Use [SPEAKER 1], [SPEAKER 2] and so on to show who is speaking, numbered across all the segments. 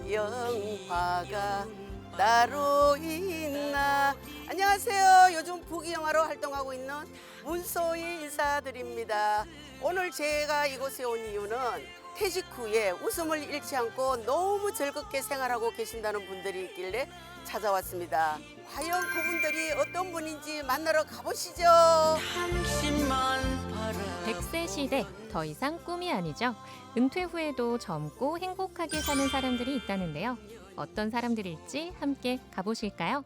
[SPEAKER 1] 영화가 따로 있나. 안녕하세요. 요즘 부귀영화로 활동하고 있는 문소희 인사드립니다. 오늘 제가 이곳에 온 이유는 퇴직 후에 웃음을 잃지 않고 너무 즐겁게 생활하고 계신다는 분들이 있길래 찾아왔습니다. 과연 그분들이 어떤 분인지 만나러 가보시죠.
[SPEAKER 2] 100세 시대, 더 이상 꿈이 아니죠. 은퇴 후에도 젊고 행복하게 사는 사람들이 있다는데요. 어떤 사람들일지 함께 가보실까요?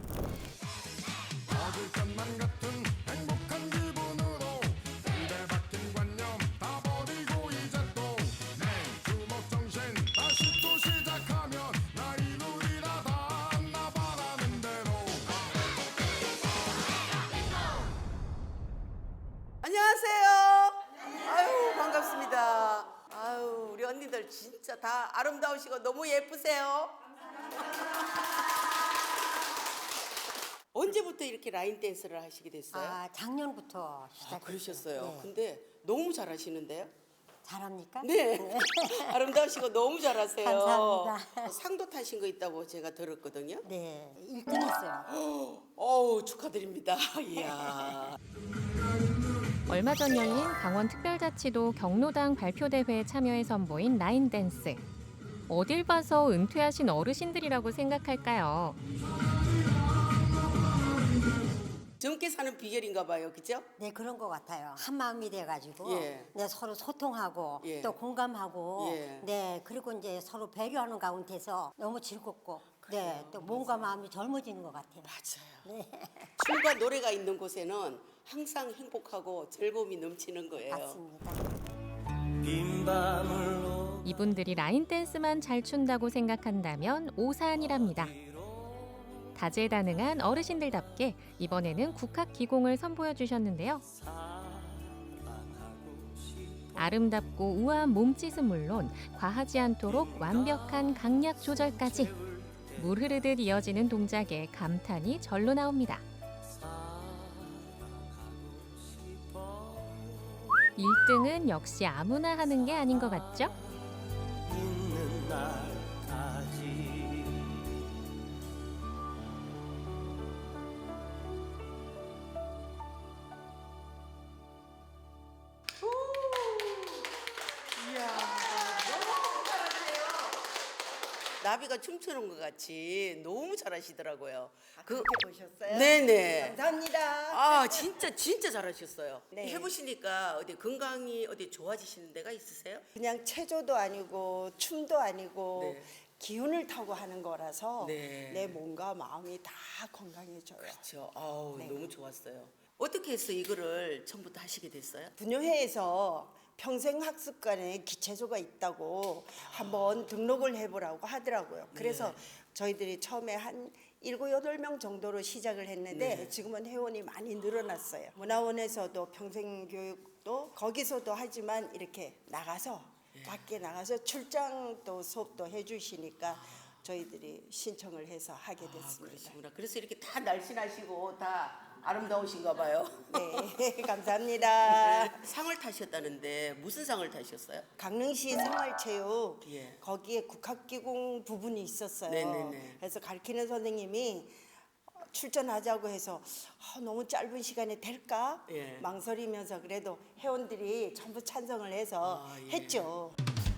[SPEAKER 1] 안녕하세요. 아유, 반갑습니다. 아유, 우리 언니들 진짜 다 아름다우시고 너무 예쁘세요. 언제부터 이렇게 라인 댄스를 하시게 됐어요?
[SPEAKER 3] 작년부터 시작했어요.
[SPEAKER 1] 그러셨어요.
[SPEAKER 3] 네.
[SPEAKER 1] 근데 너무 잘하시는데요?
[SPEAKER 3] 잘합니까?
[SPEAKER 1] 네. 아름다우시고 너무 잘하세요.
[SPEAKER 3] 감사합니다.
[SPEAKER 1] 상도 타신 거 있다고 제가 들었거든요.
[SPEAKER 3] 네, 1등 했어요.
[SPEAKER 1] 어우, 축하드립니다. 이야.
[SPEAKER 2] 얼마 전 열린 강원특별자치도 경로당 발표대회에 참여해 선보인 라인 댄스. 어딜 봐서 은퇴하신 어르신들이라고 생각할까요?
[SPEAKER 1] 젊게 사는 비결인가 봐요. 그죠?
[SPEAKER 3] 네, 그런 것 같아요. 한 마음이 돼가지고
[SPEAKER 1] 예.
[SPEAKER 3] 네, 서로 소통하고
[SPEAKER 1] 예.
[SPEAKER 3] 또 공감하고
[SPEAKER 1] 예.
[SPEAKER 3] 네, 그리고 이제 서로 배려하는 가운데서 너무 즐겁고 네, 또 몸과 마음이 젊어지는 것 같아요.
[SPEAKER 1] 맞아요.
[SPEAKER 3] 네,
[SPEAKER 1] 춤과 노래가 있는 곳에는 항상 행복하고 즐거움이 넘치는 거예요.
[SPEAKER 3] 맞습니다.
[SPEAKER 2] 이분들이 라인 댄스만 잘 춘다고 생각한다면 오산이랍니다. 다재다능한 어르신들답게 이번에는 국학기공을 선보여 주셨는데요. 아름답고 우아한 몸짓은 물론 과하지 않도록 완벽한 강약 조절까지 물 흐르듯 이어지는 동작에 감탄이 절로 나옵니다. 1등은 역시 아무나 하는 게 아닌 것 같죠?
[SPEAKER 1] 나비가 춤추는 것 같이 너무 잘하시더라고요.
[SPEAKER 4] 그렇게 보셨어요?
[SPEAKER 1] 네네.
[SPEAKER 4] 감사합니다.
[SPEAKER 1] 아, 진짜 잘하셨어요.
[SPEAKER 4] 네.
[SPEAKER 1] 해보시니까 어디 건강이 어디 좋아지시는 데가 있으세요?
[SPEAKER 4] 그냥 체조도 아니고 춤도 아니고
[SPEAKER 1] 네.
[SPEAKER 4] 기운을 타고 하는 거라서
[SPEAKER 1] 네.
[SPEAKER 4] 내 몸과 마음이 다 건강해져요.
[SPEAKER 1] 그렇죠. 아우,
[SPEAKER 4] 네.
[SPEAKER 1] 너무 좋았어요. 어떻게 해서 이거를 처음부터 하시게 됐어요?
[SPEAKER 4] 분녀회에서 평생학습관에 기체조가 있다고 한번 등록을 해보라고 하더라고요. 그래서
[SPEAKER 1] 네.
[SPEAKER 4] 저희들이 처음에 한 7, 8명 정도로 시작을 했는데
[SPEAKER 1] 네.
[SPEAKER 4] 지금은 회원이 많이 늘어났어요. 문화원에서도 평생교육도 거기서도 하지만 이렇게 나가서 밖에 나가서 출장도 수업도 해주시니까 저희들이 신청을 해서 하게 됐습니다.
[SPEAKER 1] 그러시구나. 그래서 이렇게 다 날씬하시고 다 아름다우신가 봐요.
[SPEAKER 4] 네, 감사합니다.
[SPEAKER 1] 상을 타셨다는데 무슨 상을 타셨어요?
[SPEAKER 4] 강릉시 생활체육
[SPEAKER 1] 예.
[SPEAKER 4] 거기에 국학기공 부분이 있었어요.
[SPEAKER 1] 네네네.
[SPEAKER 4] 그래서 가르치는 선생님이 출전하자고 해서 너무 짧은 시간에 될까
[SPEAKER 1] 예.
[SPEAKER 4] 망설이면서 그래도 회원들이 전부 찬성을 해서
[SPEAKER 1] 예.
[SPEAKER 4] 했죠.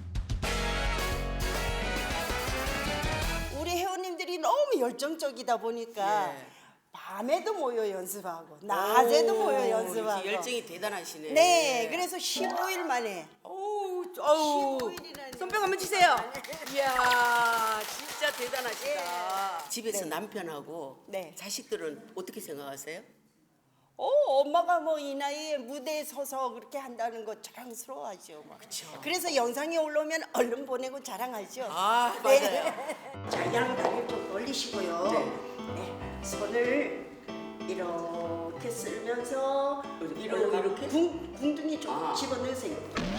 [SPEAKER 4] 우리 회원님들이 너무 열정적이다 보니까
[SPEAKER 1] 예.
[SPEAKER 4] 밤에도 모여 연습하고 낮에도 모여
[SPEAKER 1] 오,
[SPEAKER 4] 연습하고
[SPEAKER 1] 이렇게 열정이 대단하시네.
[SPEAKER 4] 네, 그래서 15일 만에
[SPEAKER 1] 어우,
[SPEAKER 4] 15일이라니.
[SPEAKER 1] 손뼉 한번 치세요. 이야, 진짜 대단하시다. 집에서
[SPEAKER 4] 네.
[SPEAKER 1] 남편하고
[SPEAKER 4] 네.
[SPEAKER 1] 자식들은 어떻게 생각하세요?
[SPEAKER 4] 엄마가 뭐 이 나이에 무대에 서서 그렇게 한다는 거 자랑스러워하죠. 막. 그래서 영상이 올라오면 얼른 보내고 자랑하죠.
[SPEAKER 1] 아,
[SPEAKER 4] 네.
[SPEAKER 1] 맞아요.
[SPEAKER 4] 자, 양다리 좀 올리시고요. 네. 손을 이렇게 쓸면서
[SPEAKER 1] 이렇게?
[SPEAKER 4] 궁둥이 좀
[SPEAKER 1] 아.
[SPEAKER 4] 집어넣으세요.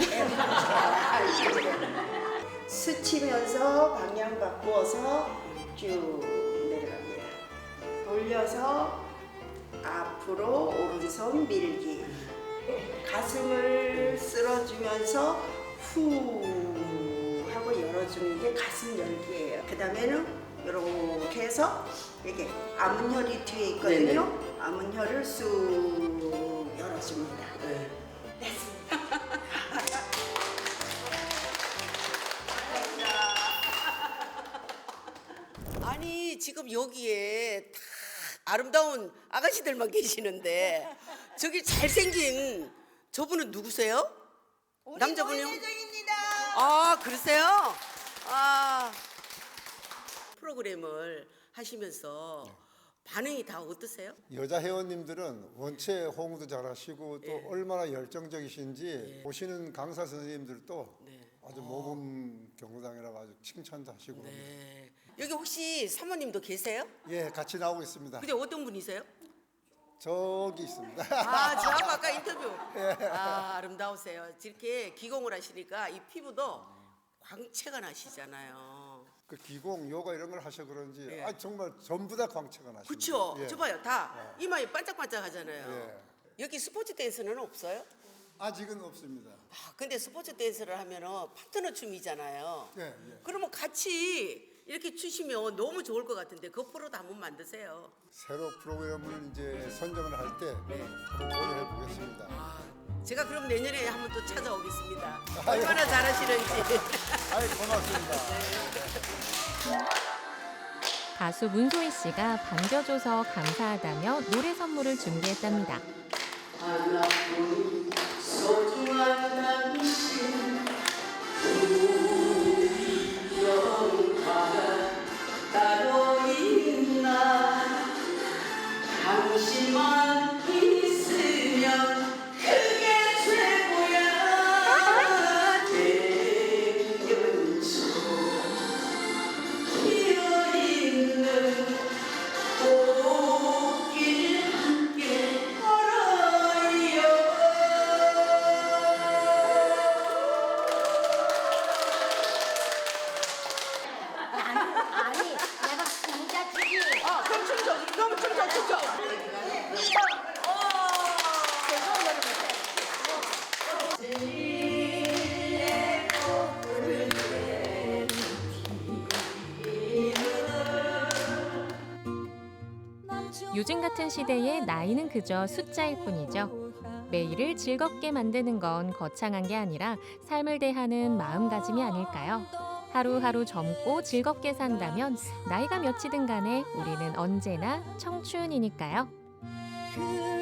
[SPEAKER 4] 스치면서 방향 바꾸어서 쭉 내려갑니다. 돌려서 앞으로 오른손 밀기. 가슴을 쓸어주면서 후 하고 열어줍니다. 나중에 이게 가슴 열기예요. 그 다음에는 이렇게 해서 이게 암은혈이 뒤에 있거든요. 암은혈을 쑥 열어줍니다.
[SPEAKER 1] 아니 지금 여기에 다 아름다운 아가씨들만 계시는데 저기 잘생긴 저분은 누구세요? 남자분이요?
[SPEAKER 4] 회장입니다.
[SPEAKER 1] 아 그러세요? 아 프로그램을 하시면서 반응이 다 어떠세요?
[SPEAKER 5] 여자 회원님들은 원체 호응도 잘하시고 또 얼마나 열정적이신지 보시는 강사 선생님들도 아주 모범 경로당이라고 아주 칭찬도 하시고 그럽니다.
[SPEAKER 1] 네. 여기 혹시 사모님도 계세요?
[SPEAKER 5] 예, 같이 나오고 있습니다.
[SPEAKER 1] 근데 어떤 분이세요?
[SPEAKER 5] 저기 있습니다.
[SPEAKER 1] 아, 저하고 아까 인터뷰. 아, 아름다우세요. 이렇게 기공을 하시니까 이 피부도 광채가 나시잖아요.
[SPEAKER 5] 그 기공, 요가 이런 걸 하셔 그런지 정말 전부 다 광채가 나십니다.
[SPEAKER 1] 그쵸?
[SPEAKER 5] 예.
[SPEAKER 1] 저 봐요. 다 이마에 반짝반짝 하잖아요.
[SPEAKER 5] 예.
[SPEAKER 1] 여기 스포츠 댄스는 없어요?
[SPEAKER 5] 아직은 없습니다.
[SPEAKER 1] 아, 근데 스포츠 댄스를 하면은 파트너 춤이잖아요.
[SPEAKER 5] 예, 예.
[SPEAKER 1] 그러면 같이 이렇게 추시면 너무 좋을 것 같은데 그 프로도 한번 만드세요.
[SPEAKER 5] 새로 프로그램을 이제 선정을 할 때 한번 도전해 보겠습니다.
[SPEAKER 1] 제가 그럼 내년에 한번 또 찾아오겠습니다. 얼마나 잘하시는지.
[SPEAKER 5] 아이, 고맙습니다.
[SPEAKER 2] 가수 문소희 씨가 반겨줘서 감사하다며 노래 선물을 준비했답니다.
[SPEAKER 1] 하나뿐인 소중한 당신 우리 영화가 따로 있나 당신만 있으면 그게 최고야 대연초 피어있는 꽃길 함께 걸어요.
[SPEAKER 3] 아니 내가 부자지기.
[SPEAKER 1] 그럼 춤춰. 그럼 춤춰.
[SPEAKER 2] 요즘 같은 시대에 나이는 그저 숫자일 뿐이죠. 매일을 즐겁게 만드는 건 거창한 게 아니라 삶을 대하는 마음가짐이 아닐까요? 하루하루 젊고 즐겁게 산다면 나이가 몇이든 간에 우리는 언제나 청춘이니까요.